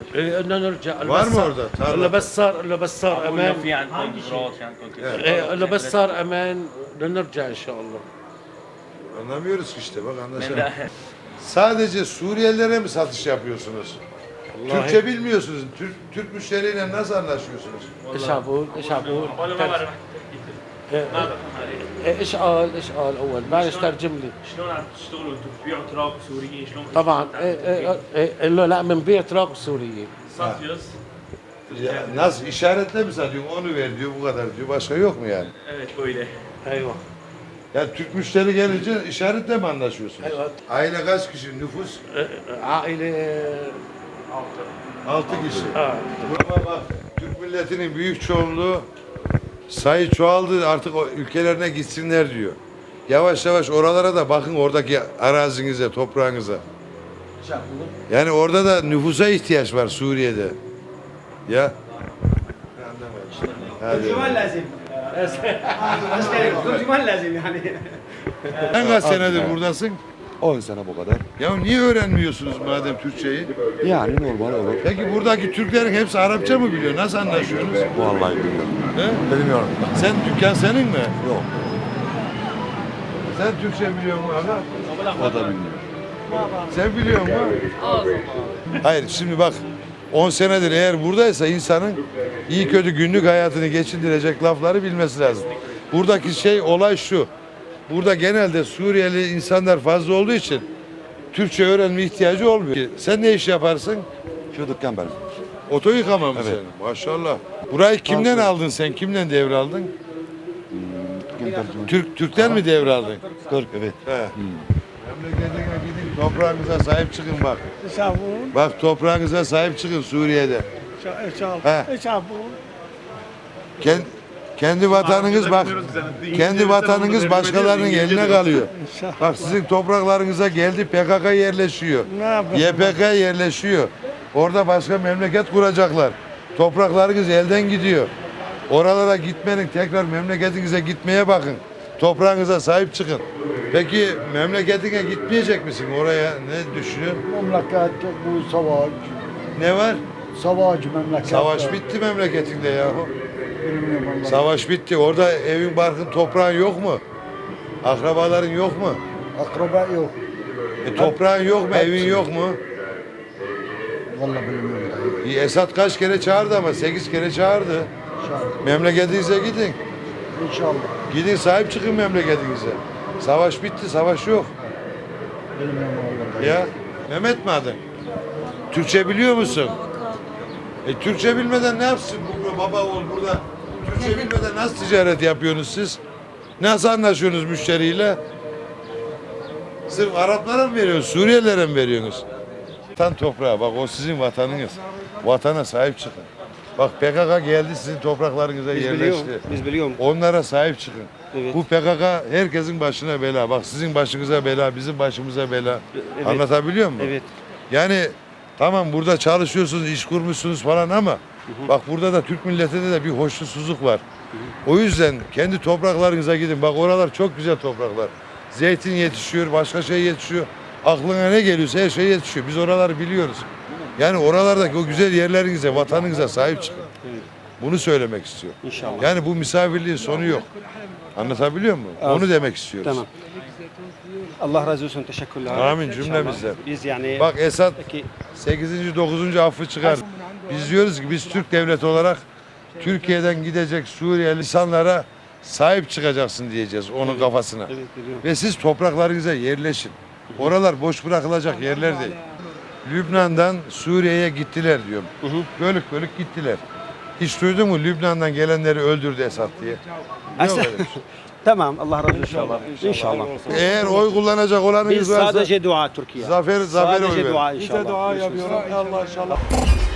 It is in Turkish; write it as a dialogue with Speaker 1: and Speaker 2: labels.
Speaker 1: بدنا نرجع
Speaker 2: Var mı orada?
Speaker 1: الا بس صار امان
Speaker 3: في عندكم قدرات في عندكم كل شيء.
Speaker 1: الا بس صار امان بدنا نرجع ان شاء الله.
Speaker 2: Anlamıyoruz ki işte bak anlaşılmıyor. Sadece Suriyelilere mi satış yapıyorsunuz? Türkçe bilmiyorsunuz. Türk müşteriyle nasıl anlaşıyorsunuz?
Speaker 1: ايش عبود ايش عبود
Speaker 3: والله ما بعرف
Speaker 1: ايش قال اول معلش ترجم لي.
Speaker 3: شلون عم تشتغلوا انتم بتبيعوا تراب سوريين شلون
Speaker 1: طبعا قال له لا بنبيع تراك سورية.
Speaker 3: satıyoruz.
Speaker 2: Ya, nasıl işaretle mi satıyorsun? Onu ver diyor bu kadar diyor. Başka yok mu yani?
Speaker 3: Evet böyle.
Speaker 1: ايوه
Speaker 2: Yani Türk müşteri gelince işaretle mi anlaşıyorsunuz?
Speaker 1: Evet.
Speaker 2: Aile kaç kişi? Nüfus?
Speaker 1: عائلة
Speaker 2: 6 kişi.
Speaker 1: اه
Speaker 2: Ama bak Türk milletinin büyük çoğunluğu sayı çoğaldı artık o ülkelerine gitsinler diyor. Yavaş yavaş oralara da bakın oradaki arazinize, toprağınıza. Yani orada da nüfusa ihtiyaç var Suriye'de. Ya. Hadi.
Speaker 4: ترجمان لازم ترجمان لازم يعني.
Speaker 2: Sen kaç senedir buradasın?
Speaker 5: 10 sene bu kadar.
Speaker 2: Ya niye öğrenmiyorsunuz madem Türkçeyi?
Speaker 5: Yani normal olur.
Speaker 2: Peki buradaki Türklerin hepsi Arapça mı biliyor? Nasıl anlaşıyorsunuz?
Speaker 5: Vallahi bilmiyorum.
Speaker 2: He?
Speaker 5: Bilmiyorum.
Speaker 2: Sen dükkan senin mi?
Speaker 5: Yok.
Speaker 2: Sen Türkçe biliyor musun abi?
Speaker 5: O da bilmiyor.
Speaker 2: Sen biliyor musun? Hayır şimdi bak 10 senedir eğer buradaysa insanın iyi kötü günlük hayatını geçindirecek lafları bilmesi lazım. Buradaki olay şu. Burada genelde Suriyeli insanlar fazla olduğu için Türkçe öğrenme ihtiyacı olmuyor. Sen ne iş yaparsın?
Speaker 5: Şu dükkan benim.
Speaker 2: Oto yıkama mı
Speaker 5: Evet.
Speaker 2: senin? Maşallah. Burayı kimden aldın sen? Kimden devraldın?
Speaker 5: Dükkan tercüme.
Speaker 2: Türk'ten mi devraldın?
Speaker 5: Türk evet.
Speaker 2: He. Memleketine gidin toprağınıza sahip çıkın bak.
Speaker 4: يشافون
Speaker 2: Bak toprağınıza sahip çıkın Suriye'de. He.
Speaker 4: يشافون
Speaker 2: Kendi vatanınız bak. Kendi vatanınız başkalarının eline kalıyor. Bak sizin topraklarınıza geldi PKK yerleşiyor. YPG yerleşiyor. Orada başka memleket kuracaklar. Topraklarınız elden gidiyor. Oralara gitmenin tekrar memleketinize gitmeye bakın. Toprağınıza sahip çıkın. Peki memleketine gitmeyecek misin oraya? Ne düşünüyorsun?
Speaker 4: memleket bu savaş.
Speaker 2: Ne var?
Speaker 4: Savaş memleket.
Speaker 2: Savaş bitti memleketinde yahu.
Speaker 4: Bilmiyorum vallahi.
Speaker 2: Savaş bitti. Orada evin barkın toprağın yok mu? Akrabaların yok mu?
Speaker 4: Akraba yok.
Speaker 2: Toprağın yok mu? Evin yok mu?
Speaker 4: Vallahi bilmiyorum dayı.
Speaker 2: Esad kaç kere çağırdı ama 8 kere çağırdı.
Speaker 4: İnşallah.
Speaker 2: Memleketinize gidin.
Speaker 4: İnşallah.
Speaker 2: Gidin sahip çıkın memleketinize. Savaş bitti, savaş yok.
Speaker 4: Bilmiyorum vallahi.
Speaker 2: Ya Mehmet mi adın? Türkçe biliyor musun? Türkçe bilmeden ne yapsın bu baba oğul burada? Türkçe bilmeden nasıl ticaret yapıyorsunuz siz? Nasıl anlaşıyorsunuz müşteriyle? Sırf Araplara mı veriyorsunuz, Suriyelilere mi veriyorsunuz? Vatan toprağı, bak o sizin vatanınız. Vatana sahip çıkın. Bak PKK geldi sizin topraklarınıza yerleşti.
Speaker 6: Biz biliyorum.
Speaker 2: Onlara sahip çıkın.
Speaker 6: Evet.
Speaker 2: Bu PKK herkesin başına bela. Bak sizin başınıza bela, bizim başımıza bela.
Speaker 6: Evet.
Speaker 2: Anlatabiliyor muyum?
Speaker 6: Evet.
Speaker 2: Yani tamam burada çalışıyorsunuz, iş kurmuşsunuz falan ama bak burada da Türk milletinde de bir hoşnutsuzluk var. O yüzden kendi topraklarınıza gidin. Bak oralar çok güzel topraklar. Zeytin yetişiyor, başka şey yetişiyor. Aklına ne geliyorsa her şey yetişiyor. Biz oraları biliyoruz. Yani oralardaki o güzel yerlerinize, vatanınıza sahip çıkın. Bunu söylemek istiyorum.
Speaker 6: İnşallah.
Speaker 2: Yani bu misafirliğin sonu yok. Anlatabiliyor muyum? Onu demek istiyoruz.
Speaker 6: Tamam. Allah razı olsun. Teşekkürler.
Speaker 2: Amin
Speaker 6: İnşallah.
Speaker 2: cümlemize.
Speaker 6: Biz yani
Speaker 2: Bak Esad
Speaker 6: Peki.
Speaker 2: 8. 9. affı çıkar. Biz diyoruz ki biz Türk devleti olarak Türkiye'den gidecek Suriyeli insanlara sahip çıkacaksın diyeceğiz onun kafasına.
Speaker 6: Evet, biliyorum.
Speaker 2: Ve siz topraklarınıza yerleşin. Oralar boş bırakılacak yerler değil. Lübnan'dan Suriye'ye gittiler diyorum. Bölük bölük gittiler. Hiç duydun mu Lübnan'dan gelenleri öldürdü Esad diye? Yok öyle bir şey.
Speaker 6: Tamam. Allah razı olsun. İnşallah.
Speaker 2: Eğer oy kullanacak olanınız
Speaker 6: Biz
Speaker 2: varsa
Speaker 6: sadece dua Türkiye.
Speaker 2: zafere oy
Speaker 6: Sadece
Speaker 2: verin.
Speaker 6: dua
Speaker 4: Bize
Speaker 6: inşallah.
Speaker 4: dua yapıyorum. Allah inşallah.